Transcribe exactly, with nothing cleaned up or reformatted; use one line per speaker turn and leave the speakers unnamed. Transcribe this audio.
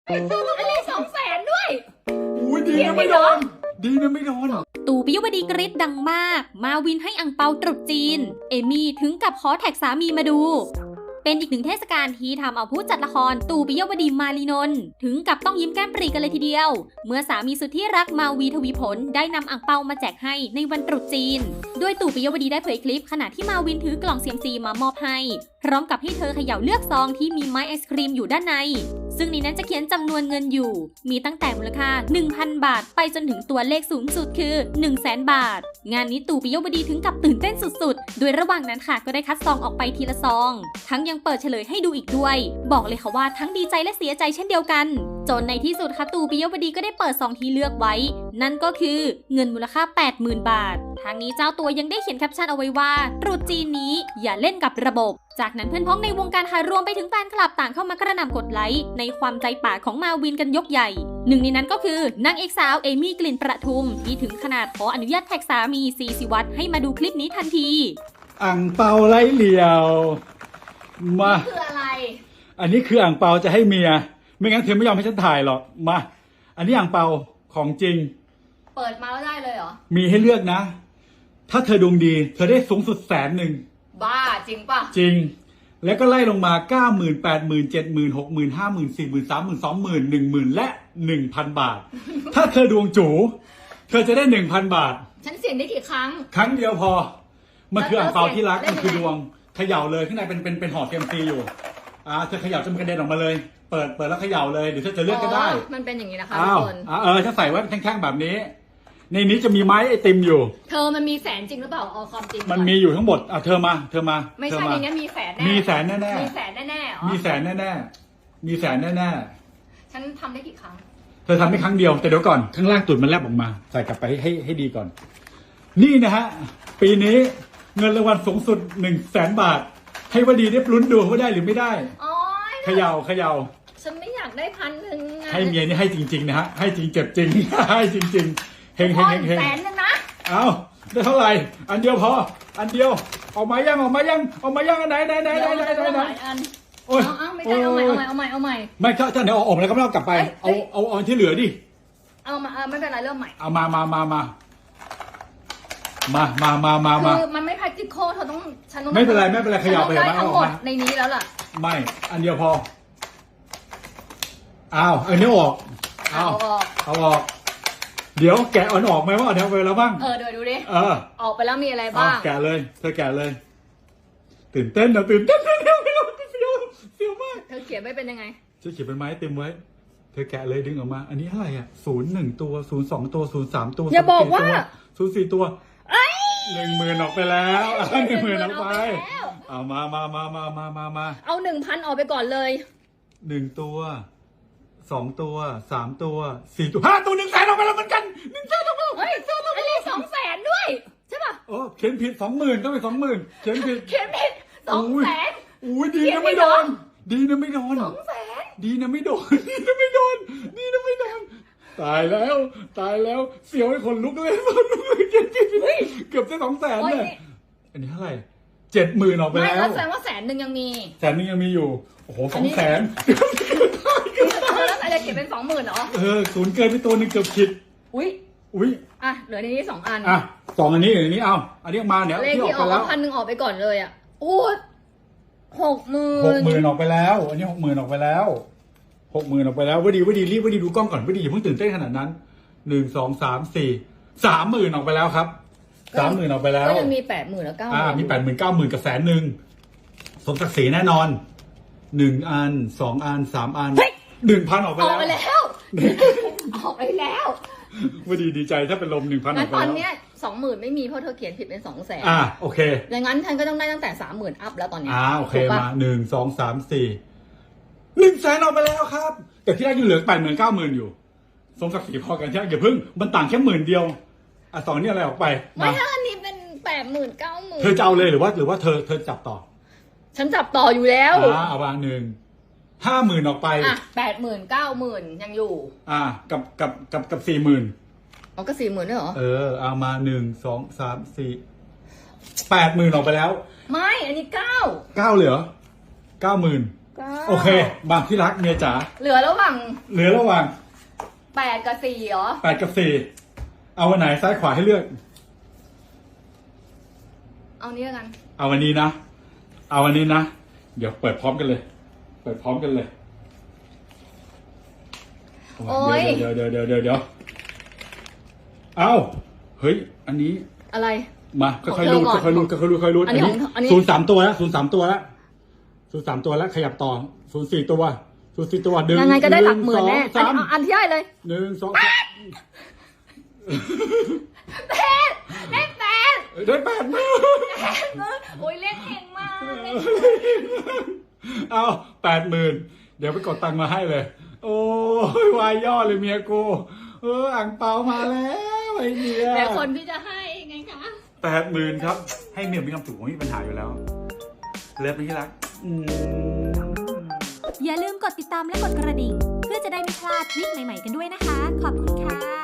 อันนี้สองแสนด้วย
อุ้ยดีนะไม่โดนดีนะไม่โดน
ตู่ปิยวดีกรี๊ดดังมากมาวินให้อังเปาตรุษจีนเอมี่ถึงกับขอแท็กสามีมาดูเป็นอีกหนึ่งเทศกาลที่ทำเอาผู้จัดละครตู่ปิยวดีมาลีนนท์ถึงกับต้องยิ้มแก้มปรีกันเลยทีเดียวเมื่อสามีสุดที่รักมาวีทวีผลได้นำอังเปามาแจกให้ในวันตรุษจีนโดยตู่ปิยวดีได้เผยคลิปขณะที่มาวินถือกล่องเซียมซีมามอบให้พร้อมกับให้เธอเขย่าเลือกซองที่มีไม้ไอศครีมอยู่ด้านในซึ่งในนั้นจะเขียนจำนวนเงินอยู่มีตั้งแต่มูลค่า หนึ่งพัน บาทไปจนถึงตัวเลขสูงสุดคือ หนึ่งแสน บาทงานนี้ตู่ปิยวดีถึงกับตื่นเต้นสุดๆโดยระหว่างนั้นค่ะก็ได้คัดซองออกไปทีละซองทั้งยังเปิดเฉลยให้ดูอีกด้วยบอกเลยค่ะว่าทั้งดีใจและเสียใจเช่นเดียวกันจนในที่สุดค่ะตู่ปิยวดีก็ได้เปิดซองที่เลือกไว้นั่นก็คือเงินมูลค่า แปดหมื่น บาททางนี้เจ้าตัวยังได้เขียนแคปชั่นเอาไว้ว่าตรุษจีนนี้อย่าเล่นกับระบบจากนั้นเพื่อนพ้องในวงการค่ะรวมไปถึงแฟนคลับต่างเข้ามากระหน่ำกดไลค์ในความใจป่าของมาวินกันยกใหญ่หนึ่งในนั้นก็คือนางเอกสาวเอมี่กลิ่นประทุมที่ถึงขนาดขออนุญาตแท็กสามีซีสิวัตรให้มาดูคลิปนี้ทันที
อ่างเปาไร้เหลี่ยวมา
คืออะไร
อันนี้คืออ่างเปาจะให้เมียไม่งั้นเธอไม่ยอมให้ฉันถ่ายหรอกมาอันนี้อ่างเปาของจริง
เปิดมาแล้วได้เลยเหรอ
มีให้เลือกนะถ้าเธอดวงดีเธอได้สูงสุดแสนหนึ่ง
บ้าจริงป่ะ
จริงแล้วก็ไล่ลงมา เก้าหมื่น แปดหมื่น เจ็ดหมื่น หกหมื่น ห้าหมื่น สี่หมื่น สามหมื่น สองหมื่น หนึ่งหมื่น และ หนึ่งพัน บาท ถ้าเธอดวงจูเธอจะได้ หนึ่งพัน บาท
ฉันเสี่ยงได้กี่ครั้ง
ครั้งเดียวพอมันคืออ่างเปาที่รักมันคือดวงเขย่าเลยข้างในเป็นเป็นเป็นห่อเซียมซีอยู่อ่าเธอเขย่าจนมันกระเด็นออกมาเลยเปิดเปิดแล้วเขย่าเลยหรือเธอจะเลือกก็ได้
มันเป็นอย่างนี้นะคะ
ทุกคนเออถ้าใส่ไว้แข็งๆแบบนี้ในนี้จะมีไม้ไอติมอยู่
เธอมันมีแสนจริงหรือเปล่าเอาความจริง
มันมีอยู่ทั้งหมดอ่ะเธอมาเธอมา
ไม่ใช่อย่างงี้มีแสนแน่
มีแสนแน่แน่
มีแสนแน่แน่
มีแสนแน่แน่มีแสนแน่แน่
ฉันทำได้กี่ครั้ง
เธอทำได้ครั้งเดียวแต่เดี๋ยวก่อนข้างล่างตุ่นมันแลบออกมาใส่กลับไปให้ให้ให้ดีก่อนนี่นะฮะปีนี้เงินรางวัลสูงสุดหนึ่งแสนบาทให้วดีได้ลุ้นดูว่าได้หรือไม่ได้เขย่าเขย่า
ฉันไม่อยากได้พันหนึ่ง
ให้เมียนี่ให้จริงๆนะฮะให้จริงเจ็บจริงให้จริงๆเฮงเฮงเฮงเฮง
แสนนึงนะ
เอาได้เท่าไหร่อันเดียวพออันเดียวออกมายังออกมายังออกมายังอันไหนไหนไหนไหนไหนไหนไหน
โอ้ยเอาไม่ใช่เอาใหม่เอาใหม่เอาใหม่เอาใหม่
ไม่ถ้าถ้าเดี๋ยวออกมาแล้วก็ไม่ต้องกลับไปเอาเอาเอาที่เหลือดิ
เอามาไม่เป็นไรเริ่มใหม่
เอามามามามามามามามามา
คือมันไม่ practical เธอต้องฉันต้อง
ไม่เป็นไรไม่เป็นไรขยับไป
มาทั้งหมดในนี้แล้วล่ะ
ไม่อันเดียวพออ้าวอันนี้ออก
เอาออก
เอาออกเดี๋ยวแกะอ่อนออกไหมว่าเอาแถวไปแล้วบ้าง
เออเดี๋ยวดูดิ
เออ
ออกไปแล้วมีอะไรบ้าง
แกะเลยเธอแกะเลยตื่นเต้นนะตื่นเต้นเสียวเสียวเสียวเสียวมาก
เธอเขียนไม่เป็นยังไง
จะเขียนเป็นไม้เต็มไว้เธอแกะเลยดึงออกมาอันนี้อะไรอ่ะศูนย์หนึ่งตัวศูนย์สองตัวศูนย์สามตัว
อย่าบอกว่า
ศูนย์สี่ตัวหนึ่งหมื่นออกไปแล้วหนึ่งหมื่นออกไปเอามามามามามามามา
เอาหนึ่งพันออกไปก่อนเลย
หนึ่งตัวสองตัวสามตัวสี่ตัวห้าตัวหนึ่งแสนออกไปแล้วเหมือนกันหนึ่งแสนออกไปแล้ว
เฮ้ยอันนี้สองแสนด้วยใช่ป่ะ
โอ้เขียนผิดสองหมื่นต้องเป็นสองหมื่นเขียนผิด
เขียนผิดสองแสน
อุ้ยดีนะไม่โดนดีนะไม่โดน
สองแสน
ดีนะไม่โดนดีนะไม่โดนดีนะไม่โดนตายแล้วตายแล้วเสียวให้คนลุกเลยคนลุกเลยเขียนผิดเกือบจะสองแสนเลยอันนี้เท่าไหร่เจ็ดหมื่นออกไปแล้ว
ไม่แสดงว่าแสนหนึ่งยังมี
แสนหนึ่งยังมีอยู่โอ้โหสองแสน
แล้วอะไรเก็บเป็นสองหมื่นเหรอ
เออศูนย์เกินไปตัวนึงเกือบผิด
อุ้ย
อุ้ย
อ่ะเหลือในนี้สองอัน
อ่ะสองอันนี้อันนี้เอาอันนี้มาเนี่ย
ที่ออกไปแล้วพันหนึ่งออกไปก่อนเลยอ่ะโอ้หกหมื่น
หกหมื่นออกไปแล้วอันนี้หกหมื่นออกไปแล้วหกหมื่นออกไปแล้ววดีวดีรีบวดีดูกล้องก่อนวดีอย่าเพิ่งตื่นเต้นขนาดนั้นหนึ่งสองสามสี่สามหมื่นออกไปแล้วครับสามหมื่นออกไปแล้ว
ก็ยังมีแปดหมื่นแล้วเก้า
อ่ามีแปดหมื่นเก้าหมื่นกับแสนหนึ่งสมศักดิ์ศรีแน่นอนหนึ่งอันสองอันสามอันหนึ่งพันออกไปแล้ว
ออกไปแล้วออกไปแล้ว
วดีดีใจถ้าเป็นลมหนึ่งพันออกไป
แล้วตอนเนี้ยสองหมื่นไม่มีเพราะเธอเขียนผิดเป็นสองแสน
อ่าโอเค
ดังนั้นฉันก็ต้องได้ตั้งแต่สามหมื่นอัพแล้วตอนนี้
อ่าโอเคมาหนึ่งสองสามสี่หนึ่งแสนออกไปแล้วครับแต่ที่แรกยังเหลือแปดหมื่นเก้าหมื่นอยู่สมศักดิ์ศรีพอกันใช่ไหมอย่าเพิ่งมันต่างแค่หมื่นเดียวอ่ะสองนี่อะไรออกไป
ไม่ถ้าอันนี้เป็นแปดหมื่นเก้าหมื่น
เธอจะเอาเลยหรือว่าหรือว่าเธอเธอจับต่อ
ฉันจับต่ออยู่แล้ว
อ่าเอาวางหนึ่งห้าหมื่นออกไป
อ่ะแปดหมื่นเก้าหมื่นยังอยู่
อ่ากับกับกับกับสี่หมื่น
อ๋อก็สี่หมื่นด้วยเหรอ
เออเอามาหนึ่งสองสามสี่แปดหมื่นออกไปแล้ว
ไม่อันนี้เก้า
เก้าเหลือเก้าหมื่น
เก้า
โอเคบางที่รักเมียจ๋า
เหลือระหว่าง
เหลือระหว่าง
แปดกับสี่เหรอ
แปดกับสี่เอาวันไหนซ้ายขวาให้เลือก
เอานี้แล้วกัน
เอาวันนี้นะ เอาวันนี้นะ เดี๋ยวเปิดพร้อมกันเลย เปิดพร้อมกันเลย
โอ้ย
เดี๋ยวเดี๋ยวเดี๋ยวเดี๋ยวเดี๋ยวเอาเฮ้ย อันนี้
อะไร
มาค่อยๆรูด
ของเธอก่อน
ค่อยๆรูดค่อยๆรูดค่อยๆรูด
อันนี้ของอันนี้
ศูนย์สามตัวแล้วศูนย์สามตัวแล้วศูนย์สามตัวแล้วขยับต่อศูนย์สี่ตัวศูนย์สี่ตัวดึง
ยังไงก็ได้หลักหมื่นแน่
สอง
อัน
สาม
อันที่ได้เลย
หนึ่งสอง
แปดเลขแปด
ได้แปดมา
โอ้ยเลขเก่งมากเลข
เอาแปดหมื่นเดี๋ยวไปกดตังค์มาให้เลย โอ้ยวายย่อเลยเมียกูเอออ่างเปามาแล้วไอ้เมีย
แต่คนที่จะให้ไงคะ
แปดหมื่นครับ ให้เมียมีความสุขไม่มีปัญหาอยู่แล้วเลิฟไหมที่รักอืม
อย่าลืมกดติดตามและกดกระดิ่ง เพื่อจะได้ไม่พลาดคลิปใหม่ๆกันด้วยนะคะ ขอบคุณค่ะ